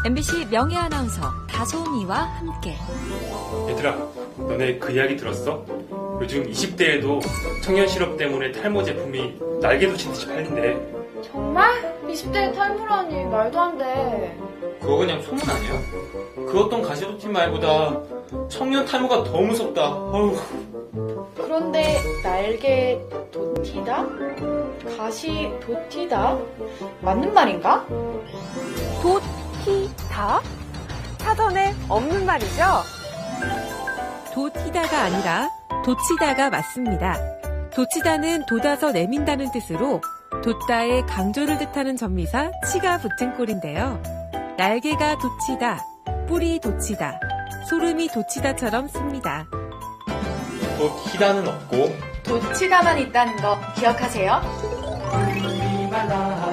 MBC 명예 아나운서 다솜이와 함께. 얘들아, 너네 그 이야기 들었어? 요즘 20대에도 청년 실업 때문에 탈모 제품이 날개도 듯이 팔린대. 정말? 20대에 탈모라니 말도 안 돼. 그거 그냥 소문 아니야? 그 어떤 가시도티 말보다 청년 탈모가 더 무섭다. 어휴. 그런데 날개 도티다? 가시 도티다? 맞는 말인가? 도티다? 사전에 없는 말이죠? 도티다가 아니라 도치다가 맞습니다. 도치다는 돋아서 내민다는 뜻으로 돋다의 강조를 뜻하는 전미사 치가 붙은 꼴인데요. 날개가 돋치다, 뿔이 돋치다, 소름이 돋치다처럼 씁니다. 도티다는 없고 도치다만 있다는 거 기억하세요? 우리마다